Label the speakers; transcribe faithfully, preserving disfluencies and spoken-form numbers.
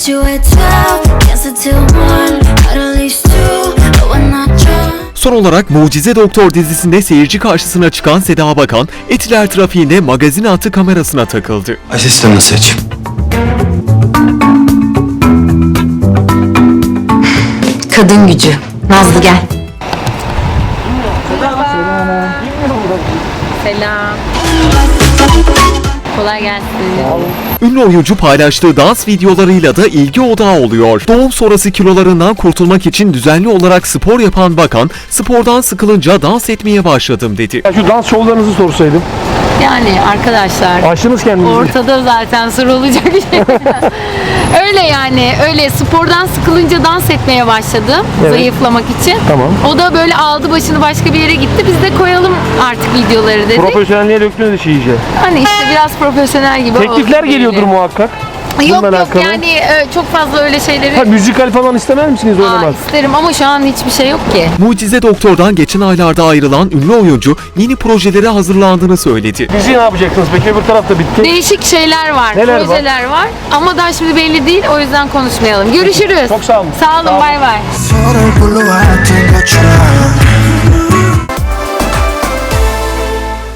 Speaker 1: met you at twelve, can't sit till one, at least two, but when I drunk.
Speaker 2: Son olarak Mucize Doktor dizisinde seyirci karşısına çıkan Seda Bakan, Etiler trafiğinde magazin attı kamerasına takıldı.
Speaker 3: Asistanını seç.
Speaker 4: Kadın gücü. Nazlı gel.
Speaker 5: Selam. Kolay gelsin.
Speaker 2: Ünlü oyuncu paylaştığı dans videolarıyla da ilgi odağı oluyor. Doğum sonrası kilolarından kurtulmak için düzenli olarak spor yapan Bakan, spordan sıkılınca dans etmeye başladım dedi.
Speaker 6: Ya şu dans şovlarınızı sorsaydım.
Speaker 5: Yani arkadaşlar
Speaker 6: Aşınız kendinizi.
Speaker 5: ortada zaten sorulacak şey. Öyle yani öyle spordan sıkılınca dans etmeye başladım
Speaker 6: Evet.
Speaker 5: zayıflamak için.
Speaker 6: Tamam.
Speaker 5: O da böyle aldı başını başka bir yere gitti. Biz de koyalım artık videoları dedik.
Speaker 6: Profesyonelliğe döktünüz işi iyice.
Speaker 5: Hani işte biraz profesyonel gibi
Speaker 6: Teklifler
Speaker 5: oldu
Speaker 6: geliyordur
Speaker 5: böyle.
Speaker 6: muhakkak.
Speaker 5: Yok
Speaker 6: Bununla
Speaker 5: yok
Speaker 6: alakalı.
Speaker 5: yani e, çok fazla öyle şeyleri
Speaker 6: Ha, müzikal falan istemez misiniz
Speaker 5: Aa,
Speaker 6: oynamak?
Speaker 5: isterim ama şu an hiçbir şey yok ki.
Speaker 2: Mucize Doktor'dan geçen aylarda ayrılan ünlü oyuncu yeni projelere hazırlandığını söyledi.
Speaker 6: Dizi ne yapacaksınız peki? Öbür tarafta bitti.
Speaker 5: Değişik şeyler var,
Speaker 6: Neler var?
Speaker 5: projeler var. Ama daha şimdi belli değil o yüzden konuşmayalım. Görüşürüz.
Speaker 6: Çok sağ olun.
Speaker 5: Sağ olun, bay bay.
Speaker 7: Solo il pollo a tengo a